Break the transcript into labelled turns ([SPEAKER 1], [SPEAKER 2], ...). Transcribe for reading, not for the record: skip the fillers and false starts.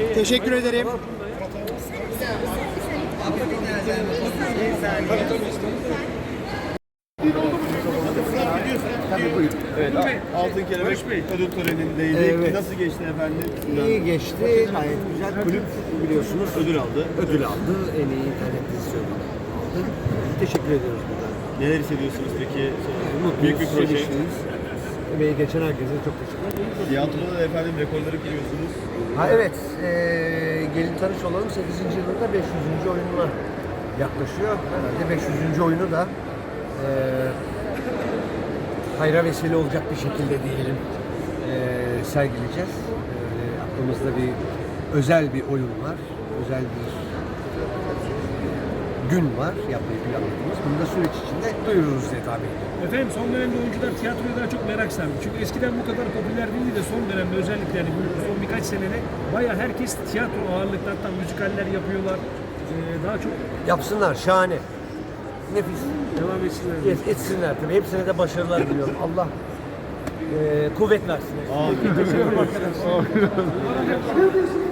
[SPEAKER 1] Teşekkür ederim.
[SPEAKER 2] Evet, Altın Kelebek ödül törenindeydik.
[SPEAKER 3] Evet.
[SPEAKER 2] Nasıl geçti efendim?
[SPEAKER 3] İyi geçti, gayet güzel. Kulüp biliyorsunuz
[SPEAKER 2] Ödül aldı.
[SPEAKER 3] ödül aldı. En iyi internet dizisi ödülü aldı. Teşekkür ediyoruz burada.
[SPEAKER 2] Neler hissediyorsunuz peki?
[SPEAKER 3] Mutluyuz,
[SPEAKER 2] Büyük bir proje.
[SPEAKER 3] sevinçliyiz. Emeği geçen herkese çok teşekkür ederim.
[SPEAKER 2] Tiyatroda da efendim rekorları kırıyorsunuz.
[SPEAKER 3] Ha evet, gelin tanış olalım 8. yılında 500. oyununa yaklaşıyor. Herhalde 500. oyunu da hayra vesile olacak bir şekilde diyelim sergileyeceğiz. Aklımızda bir özel bir oyun var, özel bir gün var yapmayı planladığımız. Bunu da süreç içinde duyururuz diye tahmin ediyorum.
[SPEAKER 4] Efendim son dönemde oyuncular tiyatroya daha çok merak sardı. Çünkü eskiden bu kadar popüler değildi de son dönemde özellikle yani bu son birkaç senede bayağı herkes tiyatro ağırlıklı, hatta müzikaller yapıyorlar. Daha çok
[SPEAKER 3] Yapsınlar, şahane. Nefis.
[SPEAKER 4] devam etsinler.
[SPEAKER 3] Etsinler tabii. Hepsine de başarılar diliyorum. Allah kuvvet versin.
[SPEAKER 2] Aa,